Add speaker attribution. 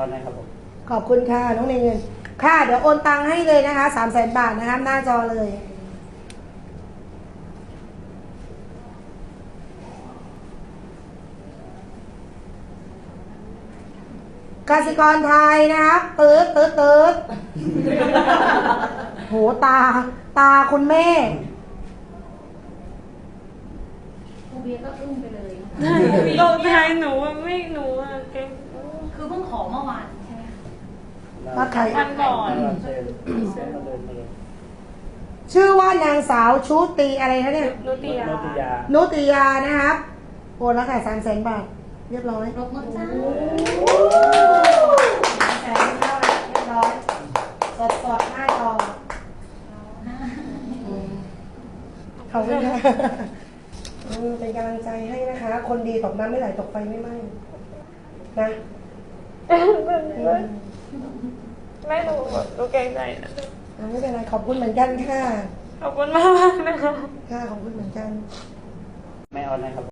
Speaker 1: อนนะครับผม
Speaker 2: ขอบคุณค่ะน้องเงินค่ะเดี๋ยวโอนตังค์ให้เลยนะคะ300,000 บาทนะคะหน้าจอเลยกสิกรไทยนะครับตืดโหตาคุณแม่
Speaker 3: ครูเบียร์ก็อึ้งไปเลย
Speaker 4: ตกใจหนูอะไม่หนูอะเก่ง
Speaker 3: คือเพิ่งขอเมื่อวานใช่ไหมคะ
Speaker 2: มาใคร
Speaker 4: วันก่อน
Speaker 1: เชิญมาเลยมาเลย
Speaker 2: ชื่อว่านางสาวชุติอะไรนะเนี่ย
Speaker 4: นุติยา
Speaker 2: นุติยานะครับโอนแล้วค่ะ300,000 บาทเรียบร้อย
Speaker 3: รบมือจ้า
Speaker 2: 300,000เรียบร้อยสดหน้าจอขอบคุณค่ะเป็นกำลังใจให้นะคะ คนดีตกน้ำไม่ไหลตกไฟไม่ไหม้นะ
Speaker 4: ไม่หนูเก่งใจนะ
Speaker 2: ไม่เป็นไรขอบคุณเหมือนกันค่ะ
Speaker 4: ขอบคุณมากนะคะ
Speaker 2: ค่ะขอบคุณเหมือนกัน
Speaker 1: ไม่ออนนะครับ